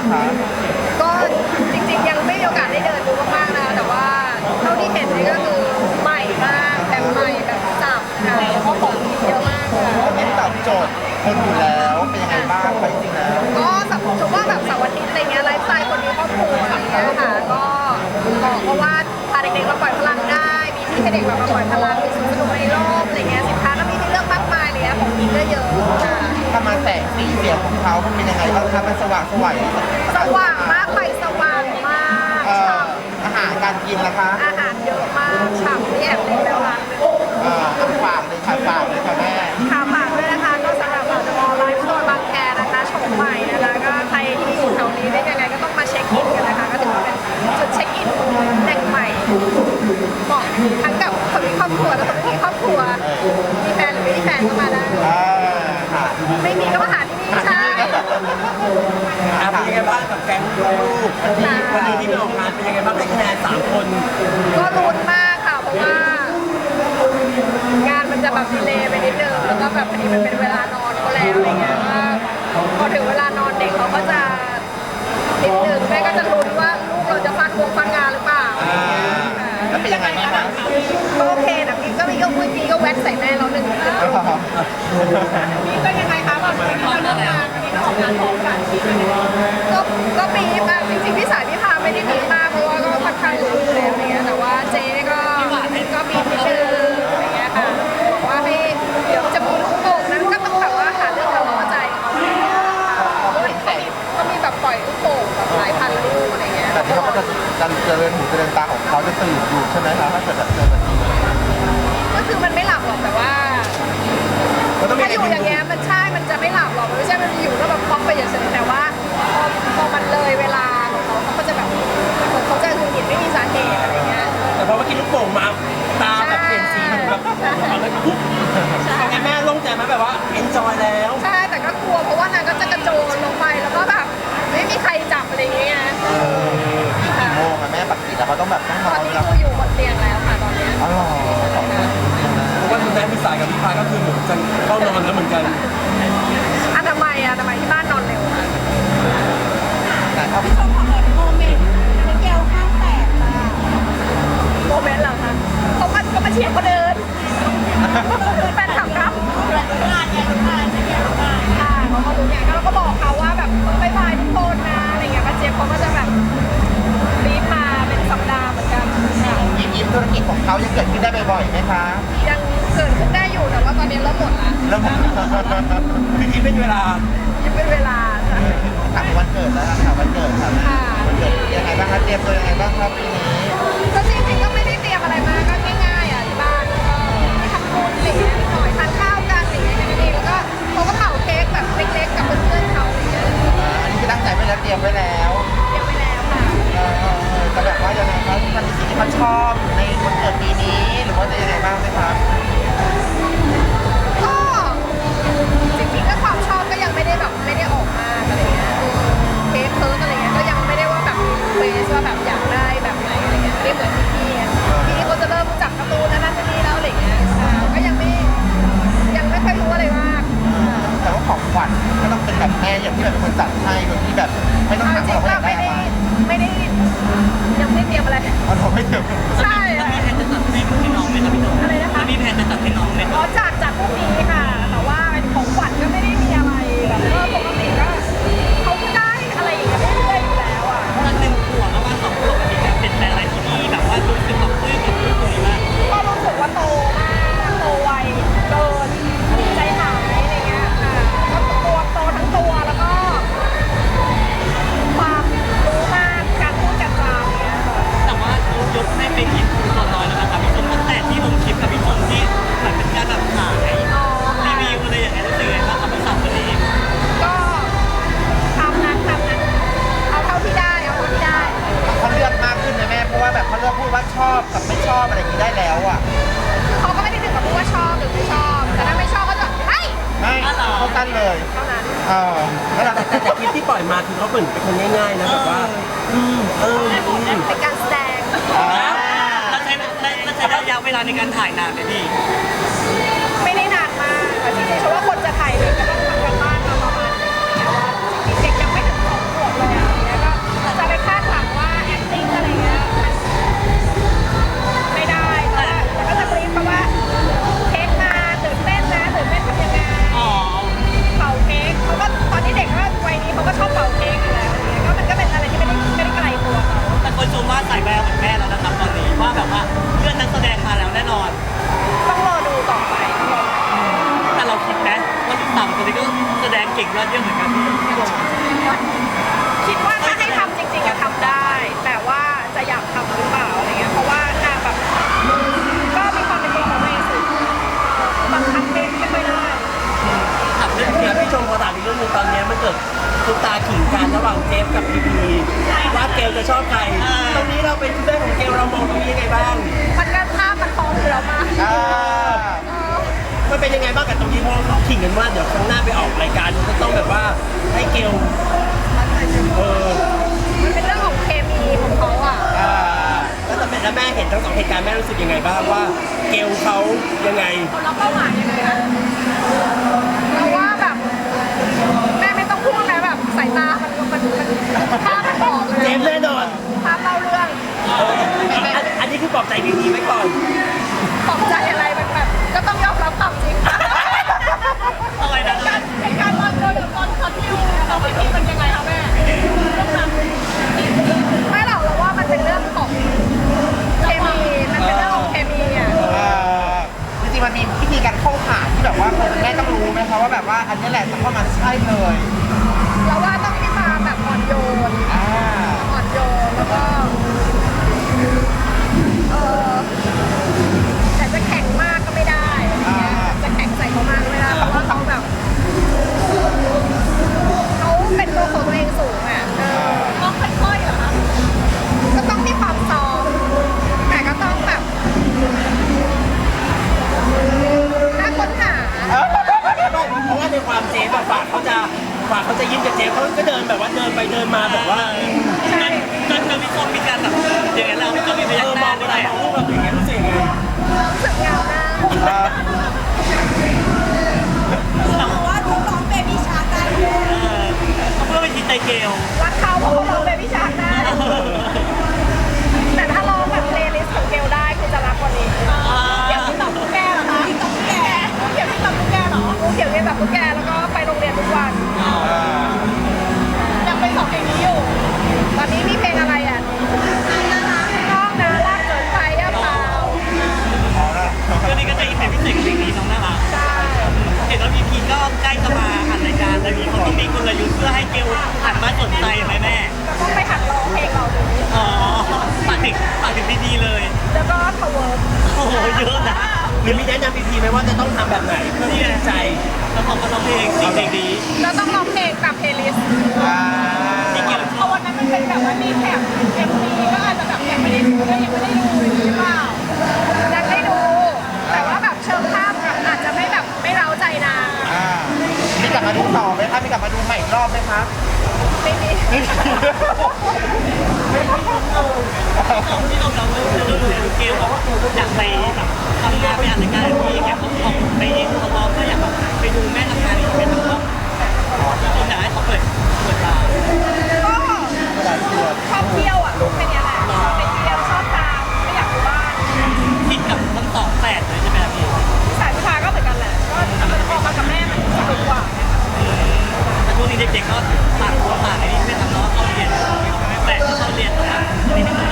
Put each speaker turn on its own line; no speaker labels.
างคะ
ก็จริงๆยังไม่มีโอกาสได้เดินดูมากๆนะคะแต่ว่าเท่าที่เห็นนี่ก็คือใหม่มากแบบใหม่แบบสับค่ะแล้วก็ของกินเยอะมากค่ะ
เน้นตอบโจทย์คนอยู่แล้วเป็นยังไงบ้างไปจริงแล้ว
ก็สมมติว่าแบบเสาร์อาทิตย์อะไรเงี้ยไลฟ์สไตล์คนมีครอบครัวอะไรเงี้ยค่ะก็บอกเพราะว่าพาเด็กๆมาปล่อยพลังได้มีที่ให้เด็กแบบมาปล่อยพลังมีสวนสนุกในโลกอะไรเงี้ยสินค้าก็มีให้เลือกมากมายเลยนะของกินก็เยอะค่ะ
ถ้ามาแสงสีเสียงของเขามันเป็นยังไงบ้างคะมันสว่างสวย
สว่างมากไฟสว่างมากฉ่ำ
อาหารการกินนะคะ
อาหารเยอะมากฉ่ำนี่แอบเล็กแล้วร้าน
ฝากเลยค่ะฝากเลยค่ะแม่
ค่ะฝากด้วยนะคะก็สำหรับเดอะมอลล์ไลฟ์สโตร์บางแคนะคะโฉมใหม่นะคะก็ใครที่อยู่แถวนี้ได้ยังไงก็ต้องมาเช็คอินกันนะคะก็ถือว่าเป็นจุดเช็คอินแหล่งใหม่เหมาะทั้งกับคนมีครอบครัวและคนไม่มีครอบครัวมีแฟนหรือไม่มีแฟนก็มาได้
ค่ะ
ไม่มีก็มาหาที่นี่ใช่
เป็นยังไงบ้างกับแก๊งลูกวันนี้ที่ไปออกงานเป็นยังไงบ้างได้คะแนน3 คน
ก็ลุ้นมากค่ะเพราะว่างานมันจะแบบดีเลย์ไปนิดนึงแล้วก็แบบพอดีมันเป็นเวลานอนเขาแล้วอะไรเงี้ยว่าพอถึงเวลานอนเด็กเขาก็จะนิดนึงแม่ก็จะลุ้นว่าลูกเราจะฟังงานหรือเปล่า
แล้วเป็นยังไงบ้างคะ
ก็โอเคนะพี่ก็มีก็พูดพี่ก็แวะใส่แม่เราหนึ่งพี่ก็ยังไงคะแบบวันนี้เราเลิกงานวันนี้เราออกงานพร้อมกันก็ปีค่ะจริงๆพี่สายพี่พาไม่ได้มีมากเพราะว่าก็ค่อนข้างรู้อยู่แล้วอะไรเงี้ยแต่ว่าเจ๊ก็มีนิดนึงอะไรเงี้ยค่ะบอกว่าให้เดี๋ยวจะมีลูกโป่งนั้นก็ต้องแบบว่าหาเรื่องเราเข้าใจเขาอะไรเงี้ยก็มีแบบปล่อยลูกโป่งแบบหลายพันลูกอะไรเงี้ย
แต่ที่เขาก็จะเจริญหูเจริญตาของเขาจะตื่นอยู่ใช่ไหมคะถ้าเกิดแบบเจอแบบนี้
ก็คือมันไม่หลับหรอกแต่ว่า
มันต้องมี
ถ้า
อะไร
อยู่
กิน
อย่างเงี้ยมันใช่มันจะไม่หลับหรอกมันไม่ใช่มันอยู่ก็แบบพอกไปอย่างเฉยแต่ว่าพอมันเลยเวลาของเขาก็จะแบบเหมือนเขาจะหงุดหงิดไม่มีสาเหตุอะไรเงี้ย
แต่พอเมื่อกี้ลูกโป่งมาตาแบบเปลี่ยนสีแบบเอาเลยปุ๊บเป็นไงแม่โล่งใจไหมแบบว่าเอนจอยแล้ว
ใช่แต่ก็กลัวเพราะว่านางก็จะกระโจนลงไปแล้วก็แบบไม่มีใครจับอะไรเงี้ย
กี่โมงอะแม่ปกติแล้วเขาต้องแบบต้องน
ต
อ
อน
น
นี้
แล้ว
กูอยู่บนเตียงแล้วค่ะตอนเนี้ย
อ๋อเหรอ
เพราะว่าคุณแม่พี่สายกับพี่พายก็คือเหมือนจะเข้านอนแล้วเหมือนกัน
ทำไมที่บ้านนอนเร็วอะ
แต่ถ้า
ชมของโมเมนต์มิเกลข้างแตกค่ะ
โมเมนต์เหรอคะเขามาเชียร์เขาเดินแฟนคลับครับ
งานเนี่ยงานเนี่ยงาน
ค่ะเขาก็รู้เนี่ยเราก็บอกเขาว่าแบบบายบายทุกคนนะอะไรเงี้ยป้าเจี๊ยบเขาก็จะแบบรีบมาเป็นสัปดาห์เหมือนกันค่ะ
ยิ้มธุรกิจของเขายังเกิดขึ้นได้บ่อยๆไหมคะ
ยังเกิดขึ้นได้อยู่แต่ว่าตอนนี้เริ่มหมดละ
แล้วมัน
คือคิดเป็นเวลา
ยังเป็นเวลาค่ะ
ถามวันเกิดแล้วค่ะวันเกิดค่ะวันเกิดยังไงบ้างคะเตรียมตัวยังไงบ้างครับปีนี้
ก็จริงๆก็ไม่ได้เตรียมอะไรมาก็ง่ายๆอ่ะที่บ้านก็ทำบุญอะไรเงี้ยนิดหน่อยทานข้าวกันอะไรเงี้ยแค่นั้นเองแล้วก็เขาก็เป่าเค้กแบบเล็กๆกับเพื่อนๆเขาอะไรเงี้ย
อันนี้คือตั้งใจไว้แล้วเตรียมไว้แล้ว
เตรียมไว้แล้วค่ะ
แต่แบบว่ายังไงครับมันมีสิ่งที่เขาชอบในวันเกิดปีนี้หรือว่าจะยังไงบ้างไหมครับ
ก็จริงๆก็ความชอบก็ยังไม่ได้แบบไม่ได้ออกมากอะไรเงี้ยเค้กเคิร์กอะไรเงี้ยก็ยังไม่ได้ว่าแบบเฟสว่าแบบอยากได้แบบไหนอะไรเงี้ยไม่เหมือนพี่ๆอ่ะพี่เขาจะเริ่มรู้จักการ์ตูนนั่นนี่แล้วอะไรเงี้ยก็ยังไม่ค่อยรู้อะไรมาก
แต่ว่าของขวัญก็ต้องเป็นแบบแม่อย่างที่แบบเป็นคนจัดให้โดยที่แบบไม่ต้อง
จ
ถาม
ริง
เรา
ๆ
ว่า
ก็
อยากได้
ไม่
อะไร
ได้ยังไม่ได้เตรียมอะไร
เราไม่ถึง
ใช่อะ
มีแผนจะตัดให้น้องไหมครับพี่น้อง
อะไรนะคะ
มีแผนจะตัดให้น้องไหม
อ๋อจัดพวกนี้ค่ะ แต่ว่าของขวัญก็ไม่ได้มีอะไรแบบปกติก็เขาก็ได้อะไรอย่างเงี้ยเรื่อยๆอยู่แล้วอ่ะ
ตอน1 ขวบแล้วมา2 ขวบมีการเปลี่ยนแปลงอะไรที่ดีแบบว่ารู้สึกแบบปลื้มกับลูกคนนี้มาก
ก็รู้สึกว่าโตมากโตไวเกินใจหายอะไรเงี้ยค่ะก็ตัวโตทั้งตัวแล้วก็ความรู้มากการพูดการจาเนี้ยค่ะ
แต่ว่าเขายกให้เป็นอินฟูตัวน้อยแล้วนะครับพี่ชมตั้งแต่ที่ลงคลิปกับพี่ชมที่มันเป็นการแบบขาย
อ๋อ
รี
ค่ะ
วิวอะไรอย่างเงี้ยรู้สึกไงบ้างครับพี่สาวคนนี้
ก็ทำนั้นเอาเท่าที่ได้
เขาเลือกมากขึ้นนะแม่เพราะว่าแบบเขาเลือกพูดว่าชอบกับไม่ชอบอะไรอย่างนี้ได้แล้วอ่ะ
เขาก็ไม่ได้ถึงกับพูดว่าชอบหรือไม่ชอบ แต่ถ้าไม่ชอบก็จะเฮ้ย
ไม่เขาตั้นเลย
เท่านั้น
แล้วเรา
แต่คลิปที่ปล่อยมาคือเขาเหมือนเป็นคนง่ายๆนะแบบว่า
เป็นการแสดง
แล้วใช้ระยะเวลาในการถ่ายนานไหมพี่
ไม่ได้นานมากแต่จริงๆฉันว่าคนจะถ่ายเลยก็ต้องทำกันบ้านมาประมาณนึงแต่ว่าจริงๆเด็กยังไม่ถึง2 ขวบเลยอ่ะ
อดเยี่ยมเหมือนกันที่ลง
คิดว่าถ้าให้ทำจริงๆอะทำได้ แต่ว่าจะอยากทำหรือเปล่าอะไรเงี้ยเพราะว่านางแบบก็มีความเป็นตัวของตัวเองสูงบังคับไม่ค่อยได้
ถามเรื่องนี้พี่ชมพอถามอีกเรื่องนึงตอนนี้มันเกิดตุ๊กตาขิงกันระหว่างเจฟกับพีพีว่าเกลจะชอบใครตรงนี้เราเป็นเพื่อนของเกลเรามองตรงนี้ยังไงบ้าง
มันก็ภาพมันฟ้องอยู่แล้วมา
อ่า
มันเป็นยังไงบ้างกับตรงนี้เพราะเขาขิงกันว่าเดี๋ยวครั้งหน้าไปออกรายการก็ต้องแบบว่าให้เกล
มันเป็นเรื่องของเคมีของเขาอ่ะ
แล้วแม่เห็นทั้งสองเหตุการณ์แม่รู้สึกยังไงบ้างว่าเกลเขายังไง
คนเราเป้าหมายยังไงนะเราว่าแบบแม่ไม่ต้องพูดนะแบบสายตามันภาพมันบอกเลย
เจฟแน่นอน
ภาพเล่าเรื่อง
อันนี้คือปลอบใจดีๆไว้ก่อน
ตกใจอะไรมันแบบก็ต้องยอมรับความจริง
อะไรนะ
เหตุการณ์ตอนโดนตอนคอนทิวเราพี่พีมันยังไงคะแม่ไม่หรอกเราว่ามันเป็นเรื่องของเคมีมันเป็นเรื่องของเคมีอ่ะ
จริงๆมันมีวิธีการเข้าขาที่แบบว่าคนเป็นแม่ต้องรู้ไหมคะว่าแบบว่าอันนี้แหละจะเข้ามาใช่เลย
เราว่าต้องมีความแบบอ่อนโยน
อ่า
อ่อนโยนแล้วก็แต่จะแข็งมากก็ไม่ได้จะแข็งใส่เขามากก็ไม่ได้เพราะว่าเขาแบบเขาเป็นตัวของตัวเองสูงอ่ะต้องค่อยๆเหรอคะก็ต้องมีความซอฟแต่ก็ต้องแบบน่าค้นหา
เพราะว่าในความเจฟอะฝากเขาจะยิ้มกับเจฟเขาก็เดินแบบว่าเดินไปเดินมาแบบว่า
ใช่
จนพี่ส้มมีการแบบอย่างนั้นเราพี่ส้มมีพยักหน้าอะไรอะรูปแบบอย่างเงี้ยรู้สึกยังไง
รู้สึกเหงาหน้า
เขาบอกว่าดูน้องเบบี้ชาร์กได้ด้วย
เพื่อไปจิตใจเกล
รักเขาเพราะเขาร้องเบบี้ชาร์กได้แต่ถ้าร้องแบบเพลย์ลิสต์ของเกลได้คือจะรักกว่านี้เดี๋ยวพี่ตอบตุ๊กแกเหรอคะพี่ตอบตุ๊กแกเดี๋ยวพี่ตอบตุ๊กแกเหรอเดี๋ยวเรียนแบบตุ๊กแกแล้วก็ไปโรงเรียนทุกวันยังเป็น2เพลงนี้อยู่ตอนนี้มีเพลงอะไรอ่ะน้องนะรักเกินไปย่าเปล่า
ก็นี่ก็จะอีกเพลงพิเศษกับเพลงนี้น้องน่ารัก
ใช่
เห็นว่าพีพีก็ใกล้จะมาอัดรายการแล้วมีเขาต้องมีกลยุทธ์เพื่อให้เกลหันมาสนใจไหมแม่
ก็ต้องไปหัดร้องเพลงเราดู
อ๋อฝากถึงดีๆเลย
แล้วก็ทเวิร์ก
โอ้โหเยอะนะหรือมีแนะนำพีพีไหมว่าจะต้องทำแบบไหนเพื่อที่จะใจแล้วผมก็ร้องเพลงสิ่งดี
แล้วต้องร้องเพลงกับเพลย์ลิสต์
อ่า
ที่เกล
เพราะวันนั้นมันเป็นแบบว่ามีแถบเอ็มวีก็อาจจะแบบยังไม่ได้ดูด้วยยังไม่ได้ดูอย่างนี้หรือเปล่ายังได้ดู แต่ว่าแบบเชิงภาพแบบอาจจะไม่แบบไม่เร้าใจนาง
อ่ามีกลับมาดูต่อไหมคะมีกลับมาดูใหม่อีกรอบไหมคะ
ไม่มี
ไม่มี
ที่เราดูเกลบอกว่าอยากไปแบบทำงานไปอ่านรายการที่แกเขาบอกไปเองเขาบอกก็อยากแบบไปดูแม่ทำงานอีกเป็นแบบว่าคนอยากให้เขาเปิดตา
ก็ชอบเที่ยวอ่ะแค่นี้แหละชอบไปเที่ยวชอบตามไม่อยากอยู่บ้าน
คิดกับทั้งสองแฝดเลยใช่ไหมพี่
สายพิพาก็เหมือนกันแหละก็มันออกมากับแม่มันสนุกกว่า
แต่ช่วงนี้เด็กๆก็ต่างคนต่างไอ้นี่ไม่ทำเนาะเข้าเรียนแต่ที่เขาเรียนนะนี่เป็น